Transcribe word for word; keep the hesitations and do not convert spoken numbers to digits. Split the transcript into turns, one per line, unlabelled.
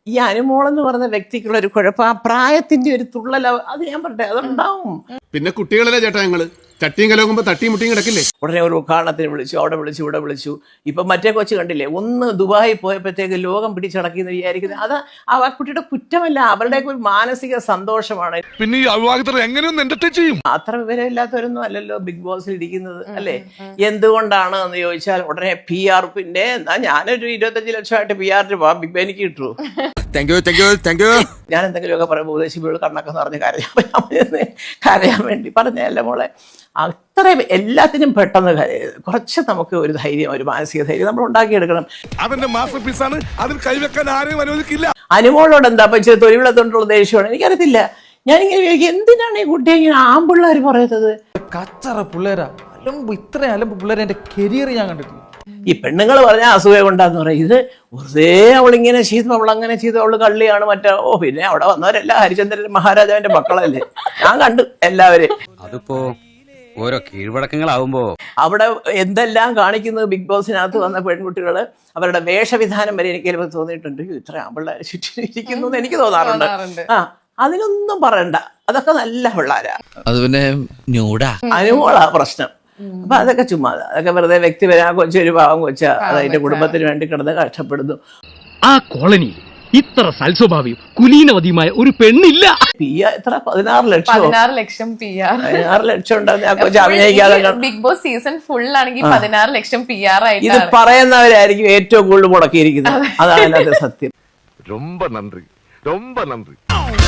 ഈ അനുമോളെന്ന് പറഞ്ഞ വ്യക്തിക്കുള്ള ഒരു കുഴപ്പം ആ പ്രായത്തിന്റെ ഒരു തുള്ളൽ അത് ഞാൻ പറട്ടെ അതുണ്ടാവും.
പിന്നെ കുട്ടികളല്ലേ ചേട്ടാ ഞങ്ങള് ചട്ടിയും കലോകുമ്പോ തട്ടിയും മുട്ടിയും കിടക്കില്ലേ.
ഉടനെ ഒരു ഉദ്ഘാടനത്തിന് വിളിച്ചു, അവിടെ വിളിച്ചു, ഇവിടെ വിളിച്ചു. ഇപ്പം മറ്റേ കൊച്ചു കണ്ടില്ലേ, ഒന്ന് ദുബായി പോയപ്പോഴത്തേക്ക് ലോകം പിടിച്ചടക്കിയെന്ന് വിചാരിക്കുന്നത് അത് ആ കുട്ടിയുടെ കുറ്റമല്ല, അവരുടെയൊക്കെ ഒരു മാനസിക സന്തോഷമാണ്.
പിന്നെ ഈ അവിവാഹിതർ എങ്ങനെയൊന്നും എന്റർടൈൻ ചെയ്യും?
അത്ര വിവരമില്ലാത്തവരൊന്നും അല്ലല്ലോ ബിഗ് ബോസിൽ ഇരിക്കുന്നത് അല്ലേ. എന്തുകൊണ്ടാണ് എന്ന് ചോദിച്ചാൽ ഉടനെ പി ആർ പിന്നെ എന്നാ ഞാനൊരു ഇരുപത്തഞ്ച് ലക്ഷമായിട്ട് പി ആറിന് പോവാം, ബിഗ് ബെനിക്ക് കിട്ടു. ഞാൻ എന്തെങ്കിലുമൊക്കെ പറയുമ്പോൾ ഉപദേശിപ്പോൾ കണ്ണൊക്കെ നിറഞ്ഞ് കരയാൻ കരയാൻ വേണ്ടി പറഞ്ഞല്ല മോളെ. അത്രയും എല്ലാത്തിനും പെട്ടെന്ന് കുറച്ച് നമുക്ക് ഒരു ധൈര്യം, ഒരു മാനസിക ധൈര്യം നമ്മൾ ഉണ്ടാക്കിയെടുക്കണം.
അതിന്റെ മാസ്റ്റർ പീസാണ്, അതിൽ കൈവെക്കാൻ ആരെയും അനുവദിക്കില്ല.
അനുമോളോട് എന്താ ഇച്ചിരി തൊഴിലുള്ളതുകൊണ്ടുള്ള ദേഷ്യമാണ് എനിക്കറിയത്തില്ല. ഞാനിങ്ങനെ എന്തിനാണ് ഈ കുട്ടിയെ ഇങ്ങനെ ആമ്പിള്ളേർ പറയുന്നത്?
കച്ചറ പിള്ളേരാ, അലമ്പ്, ഇത്ര അലമ്പ് പിള്ളേരെ എന്റെ കരിയർ ഞാൻ കണ്ടിട്ടില്ല.
ഈ പെണ്ണുങ്ങൾ പറഞ്ഞ അസൂയ കൊണ്ടാന്ന് പറയും. ഇത് വെറുതെ അവളിങ്ങനെ ചെയ്തു, അവൾ അങ്ങനെ ചെയ്തു, അവള് കള്ളിയാണ് മറ്റേ. ഓ പിന്നെ അവിടെ വന്നവരെല്ലാം ഹരിചന്ദ്രൻ മഹാരാജാവിന്റെ മക്കളല്ലേ, ഞാൻ കണ്ടു എല്ലാവരെയും.
അതിപ്പോ ഓരോ കീഴ്വഴക്കങ്ങളാവുമ്പോ അവിടെ
എന്തെല്ലാം കാണിക്കുന്നത് ബിഗ് ബോസിനകത്ത് വന്ന പെൺകുട്ടികള് അവരുടെ വേഷവിധാനം വരെ എനിക്ക് ചിലപ്പോൾ തോന്നിയിട്ടുണ്ട്, ഇത്ര ആമ്പിള്ളേരെ ചുറ്റും ഇരിക്കുന്നു എന്ന് എനിക്ക് തോന്നാറുണ്ട്. ആ അതിനൊന്നും പറയണ്ട, അതൊക്കെ നല്ല പിള്ളേരാ.
അത് പിന്നെ ന്യൂഡാ
അനുമോളാ പ്രശ്നം. അപ്പൊ അതൊക്കെ ചുമ്മാ, അതൊക്കെ വെറുതെ വ്യക്തിപര കൊച്ചൊരു പാവം കൊച്ച, അത് അതിന്റെ കുടുംബത്തിന് വേണ്ടി കിടന്ന് കഷ്ടപ്പെടുന്നു.
ആ കോളനി ഇത്ര സൽസ്വഭാവിയും കുലീനവതിയുമായ ഒരു പെണ്ണില്ല.
പി ആർ എത്ര? പതിനാറ് ലക്ഷം
പതിനാറ് ലക്ഷം പി ആർ
പതിനാറ് ലക്ഷം ഉണ്ടായിരുന്നു അഭിനയിക്കാതെ.
ബിഗ് ബോസ് സീസൺ ഫുൾ ആണെങ്കിൽ പതിനാറ് ലക്ഷം പി ആർ ആയിട്ട്
ഇത് പറയുന്നവരായിരിക്കും ഏറ്റവും കൂടുതൽ മുടക്കിയിരിക്കുന്നത്. അതാണ് അതിനകത്ത് സത്യം.
ரொம்ப நன்றி ரொம்ப நன்றி.